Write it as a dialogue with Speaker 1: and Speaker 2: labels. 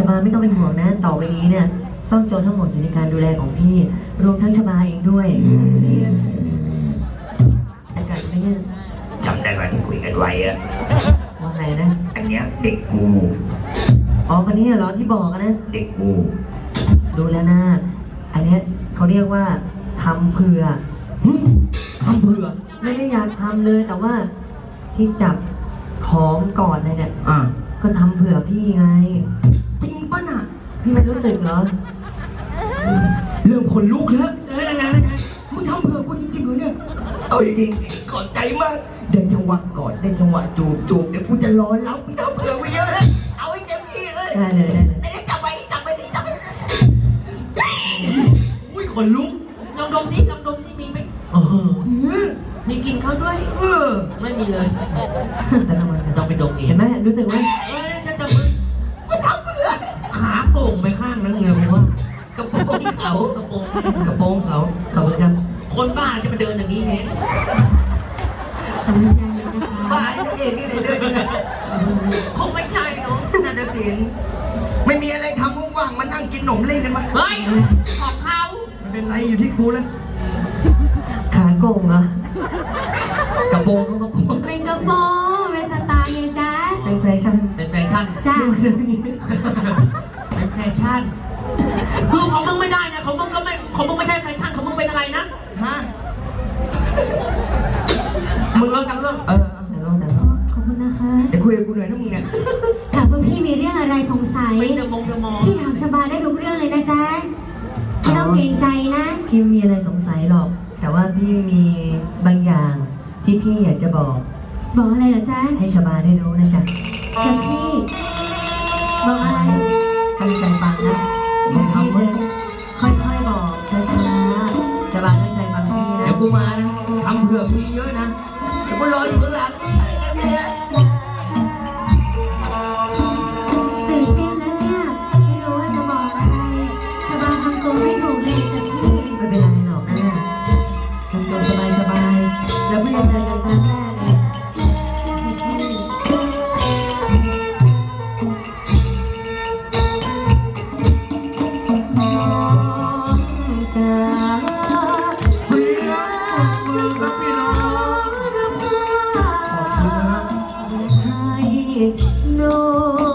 Speaker 1: บาไม่ต้องเป็นห่วงนะต่อไปนี้เนี่ยซ่องโจรทั้งหมดอยู่ในการดูแลของพี่รวมทั้งชบาเองด้วยจะกัดไหมเนี่ย
Speaker 2: จำได้ไหมที่คุยกันไว้อะ
Speaker 1: ว่าไงนะ
Speaker 2: อันเนี้ยเด็กกู
Speaker 1: อ๋อคนนี้เหรอที่บอกนะ
Speaker 2: เด็กกู
Speaker 1: ดูแล้วนะอันเนี้ยเขาเรียกว่าทำเผื่อ
Speaker 2: ทำเผื่อ
Speaker 1: ไม่ได้อยากทำเลยแต่ว่าที่จับหอมก่อนเลยเนี่ย ก็ทำเผื่อพี่ไง
Speaker 2: จริงปะน่ะ
Speaker 1: พี่ไม่รู้สึกเหรอ
Speaker 2: เริ่มขนลุกแล้วยังไงมึงทำเผื่อกูจริงๆเหรอเนี่ยเอาจริงๆขอบใจมากเดินจังหวะก่อนได้จังหวะจูบเดี๋ยวกูจะรอรับมึงทำเผื่อไว้เยอะนะเอาให้เต็มที่เลย
Speaker 1: ได้เลยได้เลย
Speaker 2: ไอ้จับไปอุ้ยขนลุก
Speaker 3: ลองดมนี่มีไหม
Speaker 1: โอ้โห
Speaker 3: มีกลินเขาด้วย ไม่มีเลย
Speaker 1: แต่ละวันกัน
Speaker 3: ต้องไปดมเอ
Speaker 1: เห็
Speaker 3: ง
Speaker 1: นไหมรู้สึกไหม
Speaker 3: จะจับมือขาโก่งไปข้างนั้นเลยผมว่ากระโปรงเขากระโปรงเขา
Speaker 1: ขอบคุณครับ
Speaker 3: คนบ้าจะมาเดินอย่างนี้เอง
Speaker 1: ทำไม่ใช่นะคะ
Speaker 2: บ้าไอ้เอกนี่เดินยังไง
Speaker 3: คงไม่ใช่เนาะ
Speaker 2: น่าจะสินไม่มีอะไรทำว่างๆมานั่งกินขนมเล่นกันมั้ย
Speaker 3: เฮ้ยของเขา
Speaker 2: ไม่เป็นไรอยู่ที่ครูแล้ว
Speaker 1: ขาโกงเหรอก
Speaker 3: ระโปรงเขากระโปรง
Speaker 4: เป็นกระโปรงเป็นสไตล์ไงจ๊ะ
Speaker 1: เป็นแฟชั่น
Speaker 3: เป็นแฟชั่น
Speaker 4: จ้ะ
Speaker 3: เป็นแฟชั่นคือของมึงไม่ได้นะของมึงไม่ใช่แฟชั่นของมึงเป็นอะไรนะ
Speaker 2: ฮะ
Speaker 3: มึงลองจำเรื่อง
Speaker 1: แต่ลองแต่ลอง
Speaker 4: ขอบคุณนะคะ
Speaker 2: เดี๋ยวคุยกับกูหน่อยนะมึงเนี่ย
Speaker 4: ถามว่าพี่มีเรื่องอะไรสงสัย
Speaker 3: เป็นเดอะมอง
Speaker 4: พี่ถามสบายได้ทุกเรื่องเลยนะจ๊ะไม่ต้องเกรงใจนะ
Speaker 1: พี่ไม่มีอะไรสงสัยหรอก แต่ว่าพี่มีบางอย่างที่พี่อยากจะบอก
Speaker 4: บอกอะไรเหรอจ๊ะ
Speaker 1: ให้ชบาได้รู้นะจ๊ะ
Speaker 4: จ๊ะพี่ บอกอะไร
Speaker 1: ตั้งใจฟังนะมึงทำเลยค่อยๆบอกช้าๆชบาตั้งใจฟังพี่นะ
Speaker 3: เดี๋ยวกูมานะทำเผื่อพี่เยอะนะเดี๋ยวกูรออยู่ข้างหลัง
Speaker 4: ตื่นเต้นแล้วเนี่ย ไม่รู้ว่าจะบอกอะไรสบายทำตัวไม่ถูกเลยจ๊ะพี่
Speaker 1: ไม่เป็นไรหรอกนะทำตัวสบายๆแล้วเพิ่งจะเจอกันครั้งแรกเองน้องจ๋าเพื่อนมือกับพี่น้องรับได้ให้น้อง